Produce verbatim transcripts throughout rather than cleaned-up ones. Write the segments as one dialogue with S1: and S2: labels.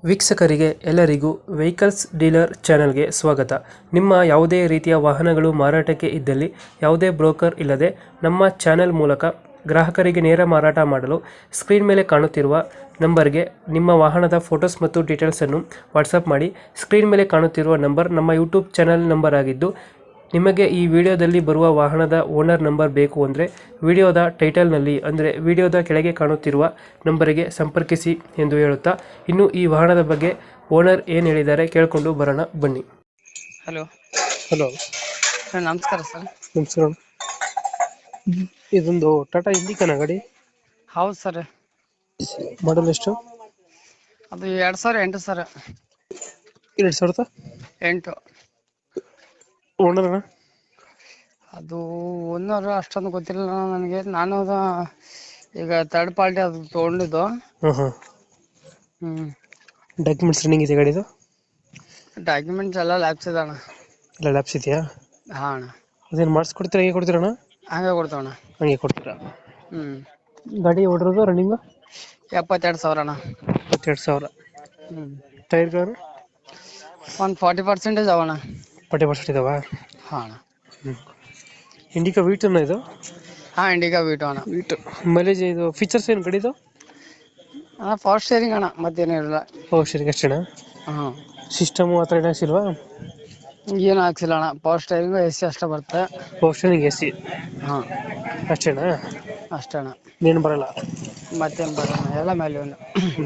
S1: ವೀಕ್ಷಕರಿಗೆ ಎಲ್ಲರಿಗೂ vehicles dealer ಚಾನೆಲ್ಗೆ ಸ್ವಾಗತ. ನಿಮ್ಮ ಯಾವುದೇ ರೀತಿಯ ವಾಹನಗಳು ಮಾರಾಟಕ್ಕೆ ಇದ್ದಲ್ಲಿ ಯಾವುದೇ ಬ್ರೋಕರ್ ಇಲ್ಲದೆ ನಮ್ಮ ಚಾನೆಲ್ ಮೂಲಕ ಗ್ರಾಹಕರಿಗೆ ನೇರ ಮಾರಾಟ ಮಾಡಲು ಸ್ಕ್ರೀನ್ ಮೇಲೆ ಕಾಣುತ್ತಿರುವ ನಂಬರ್ಗೆ ನಿಮ್ಮ ವಾಹನದ ಫೋಟೋಸ್ ಮತ್ತು ಡೀಟೇಲ್ಸನ್ನು ವಾಟ್ಸಪ್ ಮಾಡಿ. ಸ್ಕ್ರೀನ್ ಮೇಲೆ ಕಾಣುತ್ತಿರುವ ನಂಬರ್ ನಮ್ಮ ಯೂಟ್ಯೂಬ್ ಚಾನೆಲ್ ನಂಬರ್ ಆಗಿದ್ದು, ನಿಮಗೆ ಈ ವಿಡಿಯೋದಲ್ಲಿ ಬರುವ ವಾಹನದ ಓನರ್ ನಂಬರ್ ಬೇಕು ಅಂದರೆ ವಿಡಿಯೋದ ಟೈಟಲ್ನಲ್ಲಿ ಅಂದರೆ ವಿಡಿಯೋದ ಕೆಳಗೆ ಕಾಣುತ್ತಿರುವ ನಂಬರಿಗೆ ಸಂಪರ್ಕಿಸಿ ಎಂದು ಹೇಳುತ್ತಾ, ಇನ್ನು ಈ ವಾಹನದ ಬಗ್ಗೆ ಓನರ್ ಏನು ಹೇಳಿದ್ದಾರೆ ಕೇಳಿಕೊಂಡು ಬರೋಣ ಬನ್ನಿ.
S2: ಹಲೋ
S1: ಹಲೋ
S2: ಸರ್, ನಮಸ್ಕಾರ ಸರ್.
S1: ನಮಸ್ಕಾರ. ಇದೊಂದು ಟಾಟಾ ಇಂಡಿಕಾನ ಗಾಡಿ,
S2: ಹೌದು ಸರ್.
S1: ಮಾಡಲ್ ಎಷ್ಟು?
S2: ಅದು ಎರಡು ಸಾವಿರ ಎಂಟು ಸರ್.
S1: ಎರಡು ಸಾವಿರದ
S2: ಎಂಟು.
S1: ಓನರ್
S2: ಅದು ಓನರ್ ಅಷ್ಟೊಂದು ಗೊತ್ತಿಲ್ಲ ನನಗೆ. ನಾನು ಅದು ಈಗ ಥರ್ಡ್ ಪಾರ್ಟಿ ಅದು ತೊಗೊಂಡಿದ್ದು.
S1: ಹಾಂ ಹಾಂ
S2: ಹ್ಞೂ
S1: ಡಾಕ್ಯುಮೆಂಟ್ಸ್ ರನ್ನಿಂಗ್ ಇದೆ ಗಾಡಿದು?
S2: ಡಾಕ್ಯುಮೆಂಟ್ಸ್ ಎಲ್ಲ ಲ್ಯಾಬ್ಸ್ ಇದೆ ಅಣ್ಣ.
S1: ಎಲ್ಲ ಲ್ಯಾಬ್ಸ್ ಇದೆಯಾ?
S2: ಹಾಂ ಅಣ್ಣ.
S1: ಅದೇನು ಮಾಡಿಸ್ಕೊಡ್ತೀರಾ, ಹೇಗೆ ಕೊಡ್ತೀರಣ್ಣ?
S2: ಹಂಗೆ ಕೊಡ್ತೇವಣ್ಣ.
S1: ಹಂಗೆ ಕೊಡ್ತೀರಾ?
S2: ಹ್ಞೂ
S1: ಗಾಡಿ ಓಡಿರೋದು ರನ್ನಿಂಗು
S2: ಎಪ್ಪತ್ತೆರಡು ಸಾವಿರ ಅಣ್ಣ.
S1: ಇಪ್ಪತ್ತೆರಡು ಸಾವಿರ.
S2: ಹ್ಞೂ
S1: ಟೈರ್ಗಳು
S2: ಒಂದು ಫಾರ್ಟಿ ಪರ್ಸೆಂಟೇಜ್ ಅವಣ್ಣ.
S1: ಫಾರ್ಟಿ ಪರ್ಸೆಂಟ್ ಇದಾವಾ?
S2: ಹಾಂ ಅಣ್ಣ.
S1: ಹ್ಞೂ ಇಂಡಿಕಾ ವೀಟನ್ನ ಇದು?
S2: ಹಾಂ, ಇಂಡಿಗಾ ವೀಟು ಅಣ್ಣ.
S1: ವೀಟು ಮೈಲೇಜ್ ಇದು ಫೀಚರ್ಸ್ ಏನು ಗಾಡಿದು?
S2: ಅಣ್ಣ ಪವರ್ ಸ್ಟೇರಿಂಗ್ ಅಣ್ಣ, ಮತ್ತೇನೂ ಇರಲ್ಲ.
S1: ಪವರ್ ಸ್ಟೇರಿಂಗ್ ಅಷ್ಟೇನಾ?
S2: ಹಾಂ,
S1: ಸಿಸ್ಟಮು ಆ ಥರ ಏನು ಹಾಕ್ಸಿಲ್ವಾ?
S2: ಏನು ಹಾಕ್ಸಿಲ್ಲ ಅಣ್ಣ. ಪವರ್ ಸ್ಟೇರಿಂಗು ಎ ಸಿ ಅಷ್ಟೇ ಬರುತ್ತೆ.
S1: ಪವರ್ ಸ್ಟೇರಿಂಗ್ ಎ ಸಿ
S2: ಹಾಂ
S1: ಅಷ್ಟೇನಾ?
S2: ಅಷ್ಟೇ ಅಣ್ಣ,
S1: ಏನು ಬರಲ್ಲ?
S2: ಮತ್ತೇನು ಬರೋಣ, ಎಲ್ಲ ಮೇಲೆ ಒಂದು.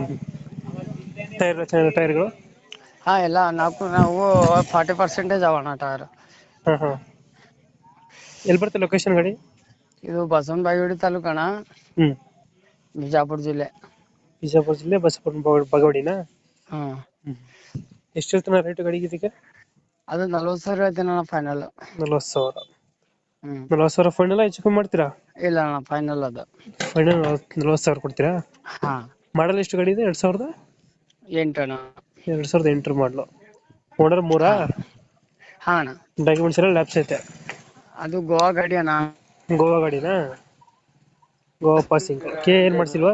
S1: ಟೈರ್ ಚೆನ್ನಾಗಿ ಟೈರ್ಗಳು?
S2: ಹಾಂ, ಎಲ್ಲ ನಾಲ್ಕು ನಾವು ಫಾರ್ಟಿ ಪರ್ಸೆಂಟೇಜ್ ಅವಣ್ಣ ಟೈರ್.
S1: ಹಾಂ ಹಾಂ ಎಲ್ಲಿ ಬರುತ್ತೆ ಲೊಕೇಶನ್ ಗಾಡಿ?
S2: ಇದು ಬಸವನ ಬಾಗೇವಾಡಿ ತಾಲೂಕು ಅಣ್ಣ,
S1: ಹ್ಞೂ
S2: ಬಿಜಾಪುರ ಜಿಲ್ಲೆ.
S1: ಬಿಜಾಪುರ ಜಿಲ್ಲೆ ಬಸವನ ಬಾಗೇವಾಡಿನಾ?
S2: ಹಾಂ.
S1: ಹ್ಞೂ ಎಷ್ಟು ಹೇಳ್ತಾನೆ ರೇಟು ಗಾಡಿಗೆ ಇದಕ್ಕೆ?
S2: ಅದು ನಲ್ವತ್ತು ಸಾವಿರ ಹೇಳ್ತೀನಿ ಅಣ್ಣ, ಫೈನಲ್.
S1: ನಲ್ವತ್ತು ಸಾವಿರ?
S2: ಹ್ಞೂ
S1: ನಲ್ವತ್ತು ಸಾವಿರ ಫೈನಲ್ ಹೆಚ್ಚು ಕಮ್ಮಿ ಮಾಡ್ತೀರಾ?
S2: ಇಲ್ಲ ಅಣ್ಣ, ಫೈನಲ್ ಅದು.
S1: ಫೈನಲ್ ನಲ್ವತ್ತು ಸಾವಿರ ಕೊಡ್ತೀರಾ?
S2: ಹಾಂ.
S1: ಮಾಡಲ್ ಎಷ್ಟು ಗಾಡಿ ಇದೆ? ಎರಡು ಸಾವಿರದ
S2: ಎಂಟು ಅಣ್ಣ.
S1: ಎರಡು ಸಾವಿರದ ಎಂಟರ ಮಾಡಲು. ಓನರ್ ಮೂರಾ?
S2: ಹಾಂ ಅಣ್ಣ.
S1: ಡಾಕ್ಯುಮೆಂಟ್ಸ್ ಎಲ್ಲ ಲ್ಯಾಬ್ಸ್ ಐತೆ?
S2: ಅದು ಗೋವಾ ಗಾಡಿ ಅಣ್ಣ.
S1: ಗೋವಾ ಗಾಡಿನಾ? ಗೋವಾ ಪಾಸಿಂಗ್ ಕೆ ಏನು ಮಾಡಿಸಿಲ್ವಾ?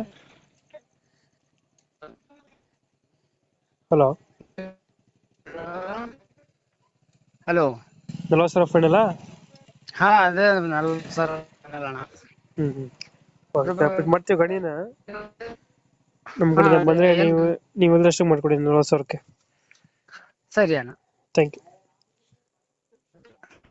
S1: ಹಲೋ
S2: ಹಲೋ
S1: ನಲ್ವತ್ತು ಸಾವಿರ ಫೈನಲ್ಲಾ?
S2: ಹಾಂ, ಅದೇ ನಲ್ವತ್ತು ಸಾವಿರ ಫೈನಲ್ ಅಣ್ಣ.
S1: ಹ್ಞೂ ಹ್ಞೂ ಓಕೆ, ಕಂಪ್ಲೀಟ್ ಮಾಡ್ತೀವಿ ಗಾಡಿನ. ನಮ್ಮ ಕಡೆ ಬಂದರೆ ನೀವು ನೀವು ಎಲ್ಲರಷ್ಟು ಮಾಡಿಕೊಡಿ ನಲ್ವತ್ತು ಸಾವಿರಕ್ಕೆ.
S2: ಸರಿ ಅಣ್ಣ.
S1: Thank you.